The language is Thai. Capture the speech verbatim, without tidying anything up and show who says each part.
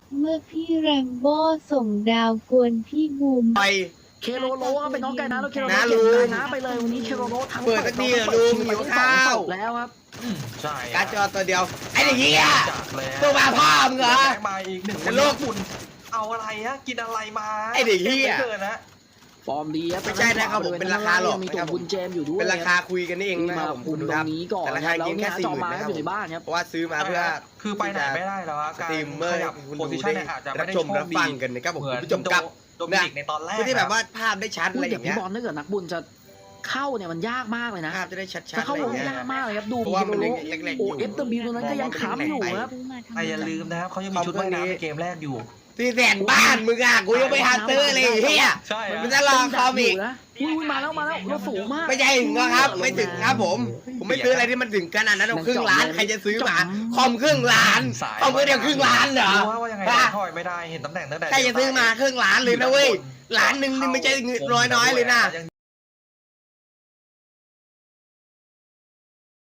Speaker 1: เมื่อพี่แรมโบ้ส่งดาวกวนพี่บูม
Speaker 2: ไป
Speaker 3: เคโรโลครับเป็นน้องไก่นะแล้วเคโรโล
Speaker 2: นะ
Speaker 3: เก็บ
Speaker 2: ลุง
Speaker 3: ไก่นะไปเลยวันนี้เคโรโลทั้ง
Speaker 2: เปิดสักทีเหรอลุงหิวข้าว
Speaker 3: แล้วครับ
Speaker 4: อืมใช่
Speaker 2: การจอตัวเดียวไอ้เด็กเหี้ย
Speaker 4: จากแล้ว
Speaker 2: ตัวมาพ่อมึงเหรอ
Speaker 4: แรงมาอีกหนึ่ง
Speaker 2: จะโลก
Speaker 4: คุณเอาอะไรฮะกินอะไรมา
Speaker 2: ไอ้เด็กเหี้ย
Speaker 4: เกินนะ
Speaker 3: ฟอร์มดีครับ
Speaker 2: ไม่ใช่นะครับผมเป็นราคาหรอก
Speaker 3: มี
Speaker 2: นะ
Speaker 3: ตั
Speaker 2: คว รับผม
Speaker 3: บุญเจมส์อยู่ด้วย
Speaker 2: เป็นราคาคุยกันนี่เอง
Speaker 3: ที่
Speaker 2: นะค
Speaker 3: มา
Speaker 2: รับผม
Speaker 3: คุ
Speaker 2: คุ
Speaker 3: ม
Speaker 2: ณดู
Speaker 3: ต
Speaker 2: ค
Speaker 3: ร
Speaker 2: รับ
Speaker 3: งนี้ก่อน
Speaker 2: แต่รา
Speaker 3: นะ
Speaker 2: คา
Speaker 3: แล้ว
Speaker 2: เพียง
Speaker 3: เนี่
Speaker 2: แค่
Speaker 3: ย
Speaker 2: สี่
Speaker 3: จอ
Speaker 2: หมื่น
Speaker 3: มา
Speaker 2: นะครับ
Speaker 3: อยู่ในบ้านครับ
Speaker 2: เพราะว่าซื้อมาเพื่อ
Speaker 4: คือไปไหนไม่ได้แล้วอะการ
Speaker 2: ตีมเมอ
Speaker 4: ข
Speaker 2: ร์
Speaker 4: ยับ
Speaker 2: คุณ
Speaker 4: โพ
Speaker 2: ดู
Speaker 4: ซิชั
Speaker 2: ได้
Speaker 4: นเนี่ยอาจจะ
Speaker 2: รั
Speaker 4: ไม่
Speaker 2: บ
Speaker 4: ได้
Speaker 2: ชม
Speaker 4: โช
Speaker 2: รับ
Speaker 4: คดี
Speaker 2: ฟังกันนะครับผม
Speaker 4: เหมือน
Speaker 2: คุณผู้ชมครับ
Speaker 4: โดมินิกในตอนแรก
Speaker 2: เพื่อที่แบบว่าภาพได้ชัด
Speaker 3: พู
Speaker 2: อะ
Speaker 3: ด
Speaker 2: ไรอ
Speaker 3: อย่าง
Speaker 2: ย่าง
Speaker 3: พี่
Speaker 2: เงี้ย
Speaker 3: บอลถ้าเกิดนักบุญจะเข้าเนี่ยมันยากมากเลยนะ
Speaker 2: ภาพจะได้ชัด
Speaker 3: จะ
Speaker 2: ๆอะ
Speaker 3: เข้า
Speaker 2: ไรอ
Speaker 3: ล
Speaker 2: ย่าง งเงี้ย
Speaker 3: ยากมากเลยครับดู
Speaker 2: เพราะว่ามัน
Speaker 3: เคโร
Speaker 2: ยัง
Speaker 3: โล
Speaker 2: เล็กๆอ
Speaker 3: โอยู่ เอฟบีตัวนั้นก็ยังค้ำอยู่ครับ
Speaker 4: แต่อย่าลืมนะครับเขายังมีชุดว่ายน้ำในเกมแรกอยู่
Speaker 2: ที่แสนบ้านมึงอ่ะกูยังไม่ฮันเตอร์เลยไอ้เฮีย
Speaker 4: ใช่
Speaker 2: มันจะรอคอมอีก
Speaker 3: นะอุ้ยมาแล้วมาแล้วเราสูงมาก
Speaker 2: ไม่ใช่ถึงนะครับ ไม่ถึงครับผม ผมไม่ซื้ออะไรที่มันถึงขนาดนั้นเอาครึ่งล้านใครจะซื้อมาคอมครึ่งล้านคอมเดียวครึ่งล้านเหรอ
Speaker 4: รู้ว่ายังไง
Speaker 2: ป่ะ
Speaker 4: ถอยไม่ได้เห็นตำแหน่งตั้งแต่
Speaker 2: ใครจะซื้อมาครึ่งล้านเลยนะเว้ยล้านหนึ่งนี่ไม่ใช่เงินน้อยๆเลยนะ